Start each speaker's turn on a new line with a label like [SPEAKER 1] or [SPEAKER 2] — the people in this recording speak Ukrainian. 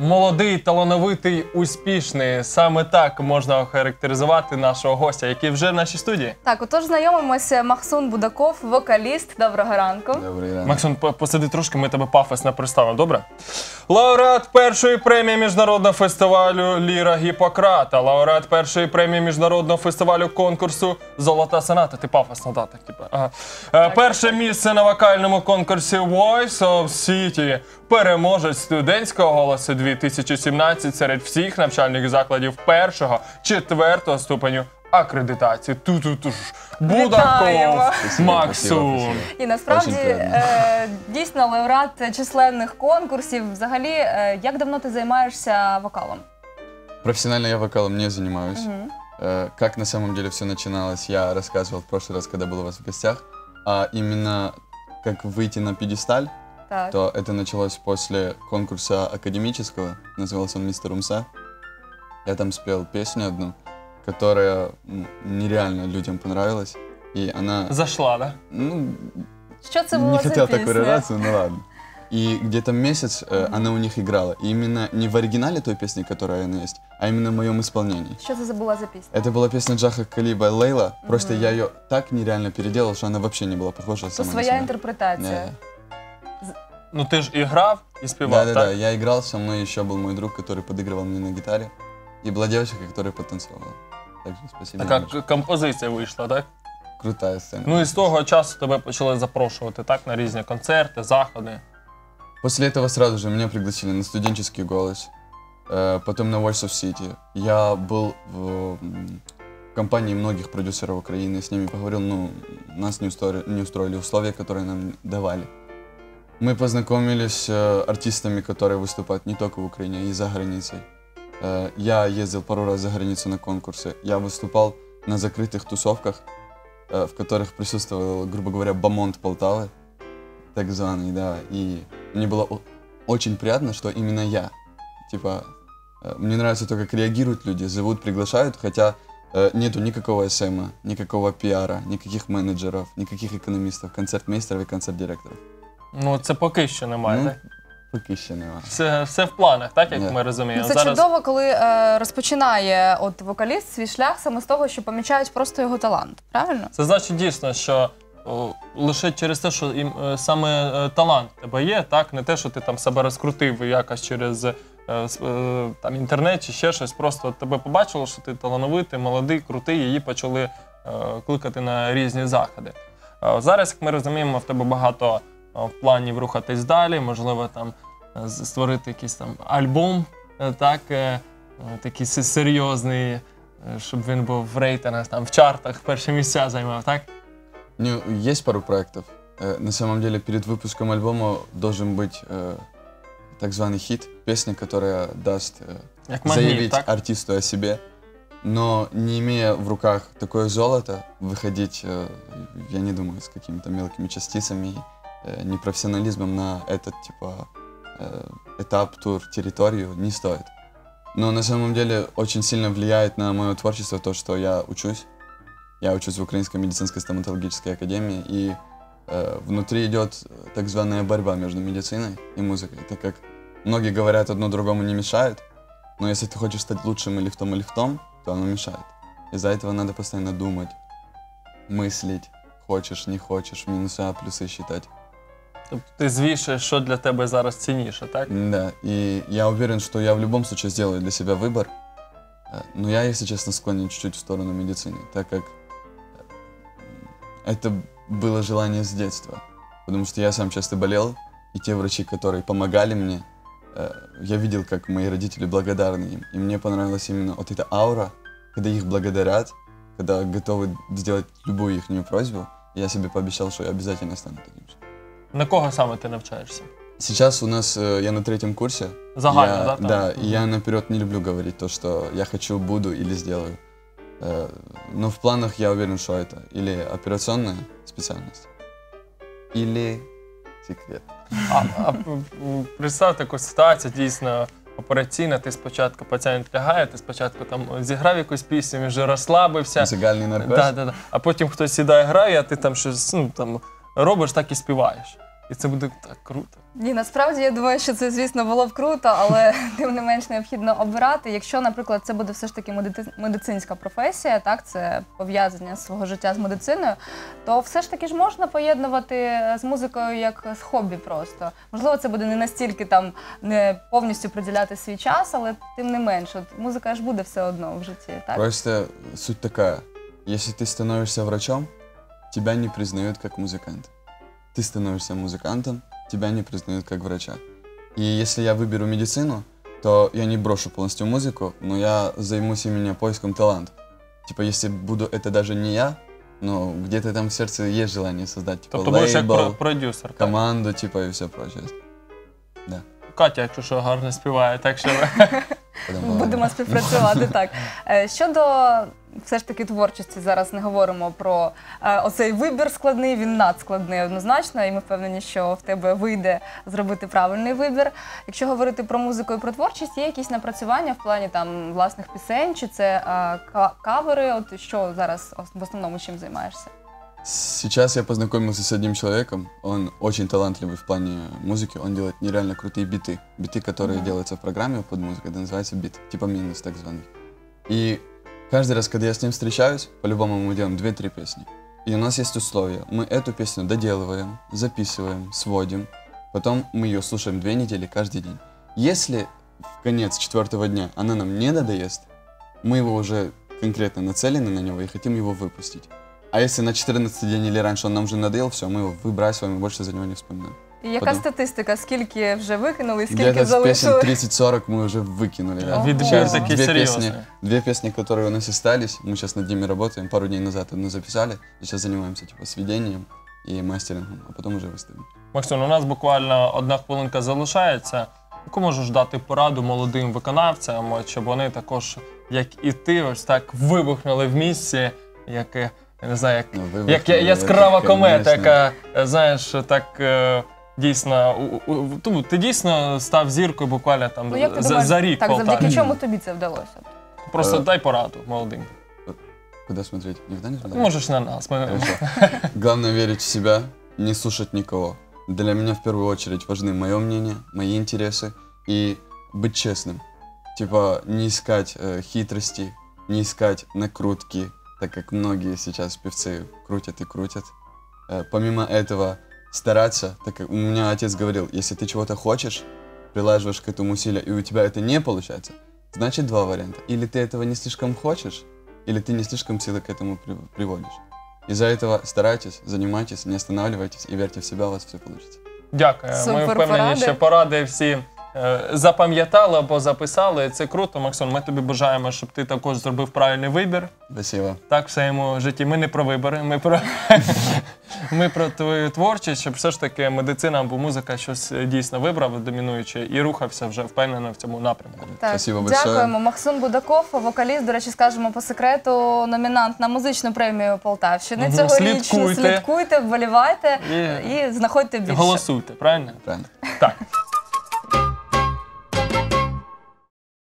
[SPEAKER 1] Молодий, талановитий, успішний. Саме так можна охарактеризувати нашого гостя, який вже в нашій студії.
[SPEAKER 2] Так, отож знайомимося. Махсун Будаков, вокаліст. Доброго ранку.
[SPEAKER 3] Добрий ранок.
[SPEAKER 1] Максим, посиди трошки, ми тебе пафосно представимо, добре? Лауреат першої премії міжнародного фестивалю «Ліра Гіппократа», лауреат першої премії міжнародного фестивалю конкурсу «Золота соната». Ти пафосно, так, типу. Ага. Перше місце на вокальному конкурсі Voice of City, переможець студентського голосу 2017 серед всіх навчальних закладів першого, четвертого ступеню акредитації. Ту-ту-туш. Будаков, Максун.
[SPEAKER 2] І насправді, дійсно, лауреат численних конкурсів. Взагалі, як давно ти займаєшся вокалом?
[SPEAKER 3] Профессионально я вокалом не занимаюсь. Как на самом деле все начиналось, я рассказывал в прошлый раз, когда был у вас в гостях. А именно как выйти на пьедесталь,
[SPEAKER 2] Так.
[SPEAKER 3] то это началось после конкурса академического, назывался он «Мистер Умса». Я там спел песню одну, которая нереально людям понравилась. И она,
[SPEAKER 1] Зашла, да?
[SPEAKER 3] ну,
[SPEAKER 2] Що це
[SPEAKER 3] не
[SPEAKER 2] було за
[SPEAKER 3] хотел так
[SPEAKER 2] пісня?
[SPEAKER 3] выражаться, ну ладно. И где-то месяц она у них играла. И именно не в оригинале той песни, которая она есть, а именно в моем исполнении.
[SPEAKER 2] Що це була за пісня?
[SPEAKER 3] Это была песня Джаха Калиба «Лейла». Просто я ее так нереально переделал, что она вообще не была похожа
[SPEAKER 2] Це
[SPEAKER 3] сама на
[SPEAKER 2] своя
[SPEAKER 3] себя.
[SPEAKER 2] інтерпретація.
[SPEAKER 1] Ну ти ж і грав, і співав,
[SPEAKER 3] Да-да-да,
[SPEAKER 1] так?
[SPEAKER 3] я играл, со мной еще был мой друг, который подыгрывал мне на гитаре. И была девочка, которая потанцевала. Так что спасибо.
[SPEAKER 1] Така
[SPEAKER 3] девочка.
[SPEAKER 1] композиція вийшла, так?
[SPEAKER 3] Крутая сцена.
[SPEAKER 1] Ну і з того часу тебе почали запрошувати, так, на різні концерти, заходи.
[SPEAKER 3] После этого сразу же меня пригласили на студенческий голос, потом на Voice of City. Я был в компании многих продюсеров Украины, с ними поговорил, ну, нас не устроили условия, которые нам давали. Мы познакомились с артистами, которые выступают не только в Украине, а и за границей. Я ездил пару раз за границу на конкурсы. Я выступал на закрытых тусовках, в которых присутствовал, грубо говоря, бомонд Полтавы, так званый, да. И мне было очень приятно, что именно я. Типа, мне нравится то, как реагируют люди, зовут, приглашают, хотя нету никакого СМа, никакого пиара, никаких менеджеров, никаких экономистов, концертмейстеров и концерт-директоров.
[SPEAKER 1] Ну це поки що немає,
[SPEAKER 3] Ну,
[SPEAKER 1] так?
[SPEAKER 3] поки ще нема.
[SPEAKER 1] Все в планах, так, як
[SPEAKER 3] Ні.
[SPEAKER 1] ми розуміємо.
[SPEAKER 2] Це чудово, коли розпочинає от вокаліст свій шлях саме з того, що помічають просто його талант. Правильно?
[SPEAKER 1] Це значить дійсно, що лише через те, що саме талант в тебе є, так? Не те, що ти там себе розкрутив якось через там, інтернет чи ще щось. Просто тебе побачило, що ти талановитий, молодий, крутий, і її почали кликати на різні заходи. Зараз, як ми розуміємо, в тебе багато планів рухатись далі, можливо, там створити якийсь там альбом, так, такий серйозний, щоб він був в рейтингах, там, в чартах перші місця займав, так?
[SPEAKER 3] Ну, есть пару проектов. На самом деле, перед выпуском альбома должен быть так званый хит, песня, которая даст
[SPEAKER 1] Як магніт,
[SPEAKER 3] заявить
[SPEAKER 1] так?
[SPEAKER 3] артисту о себе. Но не имея в руках такое золото, выходить, я не думаю, с какими-то мелкими частицами, непрофессионализмом на этот, типа, этап, тур, территорию не стоит. Но на самом деле очень сильно влияет на мое творчество то, что я учусь. Я учусь в Украинской медицинской стоматологической академии, и внутри идет так званая борьба между медициной и музыкой, так как многие говорят, одно другому не мешает, но если ты хочешь стать лучшим или в том, то оно мешает. Из-за этого надо постоянно думать, мыслить, хочешь, не хочешь, минуса, плюсы считать.
[SPEAKER 1] Тобто ти звішуєш, що для тебе зараз цінніше, так?
[SPEAKER 3] Да, и я уверен, что я в любом случае сделаю для себя выбор, но я, если честно, склонен чуть-чуть в сторону медицины, так как это было желание с детства, потому что я сам часто болел, и те врачи, которые помогали мне, я видел, как мои родители благодарны им, и мне понравилась именно вот эта аура, когда их благодарят, когда готовы сделать любую их просьбу. Я себе пообещал, что я обязательно стану таким же.
[SPEAKER 1] На кого саме ти навчаєшся?
[SPEAKER 3] Сейчас у нас, я на 3-м курсе.
[SPEAKER 1] Загально,
[SPEAKER 3] Я-
[SPEAKER 1] да? там?
[SPEAKER 3] Да, и я наперед не люблю говорить то, что я хочу, буду или сделаю. Но в планах я уверен, что это или операционная специальность, или секрет.
[SPEAKER 1] Представ таку ситуацію, дійсно, операційна, ти спочатку, пацієнт лягає, ти спочатку там зіграв якусь пісню, він вже розслабився.
[SPEAKER 3] Музыкальный наркоз.
[SPEAKER 1] Да. А потім хтось сідає, грає, а ти там щось, ну, там, робиш, так і співаєш. І це буде так круто.
[SPEAKER 2] Ні, насправді я думаю, що це, звісно, було б круто, але тим не менш необхідно обирати. Якщо, наприклад, це буде все ж таки медицинська професія, так, це пов'язання свого життя з медициною, то все ж таки ж можна поєднувати з музикою як з хобі просто. Можливо, це буде не настільки там не повністю приділяти свій час, але тим не менш, от музика ж буде все одно в житті, так?
[SPEAKER 3] Просто суть такая. Если ты становишься врачом, тебя не признают как музыканта. Ты становишься музыкантом, тебя не признают как врача. И если я выберу медицину, то я не брошу полностью музыку, но я займусь именно поиском талантов. Типа, если буду это даже не я, но где-то там в сердце есть желание создать, типа,
[SPEAKER 1] Тобто будеш як
[SPEAKER 3] лейбл,
[SPEAKER 1] продюсер. Так?
[SPEAKER 3] команду, типа, и все прочее. Да.
[SPEAKER 1] Катя, якщо що, гарно співає, так що
[SPEAKER 3] Потом
[SPEAKER 2] Будемо співпрацювати, так. Щодо все ж таки творчості, зараз не говоримо про оцей вибір складний, він надскладний однозначно, і ми впевнені, що в тебе вийде зробити правильний вибір. Якщо говорити про музику і про творчість, є якісь напрацювання в плані там власних пісень, чи це кавери, от що зараз в основному чим займаєшся?
[SPEAKER 3] Сейчас я познакомился с одним человеком, он очень талантливый в плане музыки, он делает нереально крутые биты. Биты, которые делаются в программе под музыку, это называется бит, типа минус так званый. И каждый раз, когда я с ним встречаюсь, по-любому мы делаем 2-3 песни. И у нас есть условия, мы эту песню доделываем, записываем, сводим, потом мы ее слушаем 2 недели каждый день. Если в конец 4-го дня она нам не надоест, мы его уже конкретно нацелены на него и хотим его выпустить. А если на 14-й день или раньше он нам уже надоел, все, мы его выбрасываем и больше за него не вспоминаем.
[SPEAKER 2] І яка
[SPEAKER 3] Потім.
[SPEAKER 2] статистика? Скільки вже викинули, скільки
[SPEAKER 3] Где-то с песен
[SPEAKER 2] залишили?
[SPEAKER 3] 30-40 мы уже выкинули. Да.
[SPEAKER 2] Ого.
[SPEAKER 1] відбір
[SPEAKER 3] Сейчас
[SPEAKER 1] такий серйозний.
[SPEAKER 3] 2 песни, которые у нас остались, мы сейчас над ними работаем. Пару дней назад одну записали, сейчас занимаемся типа сведением и мастерингом, а потом уже выставим.
[SPEAKER 1] Максим, у нас буквально 1 хвилинка залишається. Яку можеш дати пораду молодим виконавцям, от, щоб вони також, як і ти, ось так вибухнули в місці, як, я не знаю,
[SPEAKER 3] Ну,
[SPEAKER 1] як
[SPEAKER 3] вибухнули,
[SPEAKER 1] яскрава
[SPEAKER 3] это,
[SPEAKER 1] комета,
[SPEAKER 3] конечно.
[SPEAKER 1] яка, знаєш, так дійсно, ти дійсно став зіркою буквально там
[SPEAKER 2] Ну, як ти думаєш,
[SPEAKER 1] за рік.
[SPEAKER 2] так,
[SPEAKER 1] Полтаві.
[SPEAKER 2] завдяки чому тобі це вдалося?
[SPEAKER 1] Просто дай пораду молодим.
[SPEAKER 3] Куда смотреть? Никогда не смотрел?
[SPEAKER 1] Можеш на нас. Ми...
[SPEAKER 3] Хорошо. Главное верить в себя, не слушать никого. Для меня в первую очередь важны мое мнение, мои интересы и быть честным. Типа не искать хитрости, не искать накрутки, так как многие сейчас певцы крутят и крутят. Помимо этого стараться, так как у меня отец говорил, если ты чего-то хочешь, прилаживаешь к этому усилия, и у тебя это не получается, значит 2 варианта. Или ты этого не слишком хочешь, или ты не слишком силы к этому приводишь. Из-за этого старайтесь, занимайтесь, не останавливайтесь и верьте в себя, у вас все получится.
[SPEAKER 1] Дякую. Ми
[SPEAKER 2] Супер
[SPEAKER 1] впевнені,
[SPEAKER 2] поради.
[SPEAKER 1] що поради всі запам'ятали або записали. Це круто, Максон. Ми тобі бажаємо, щоб ти також зробив правильний вибір.
[SPEAKER 3] Спасибо.
[SPEAKER 1] Так, в своєму житті. Ми не про вибори, ми про твою творчість, щоб все ж таки медицина або музика щось дійсно вибрав домінуюче і рухався вже впевнено в цьому напрямку.
[SPEAKER 2] Так,
[SPEAKER 3] Спасибо большое.
[SPEAKER 2] дякуємо. Максим Будаков, вокаліст, до речі, скажемо по секрету, номінант на музичну премію Полтавщини.
[SPEAKER 1] Мгм.
[SPEAKER 2] Цьогорічну.
[SPEAKER 1] Слідкуйте.
[SPEAKER 2] Слідкуйте, вболівайте
[SPEAKER 1] І
[SPEAKER 2] і знаходьте більше.
[SPEAKER 1] голосуйте, правильно?
[SPEAKER 3] Правильно.
[SPEAKER 1] Так.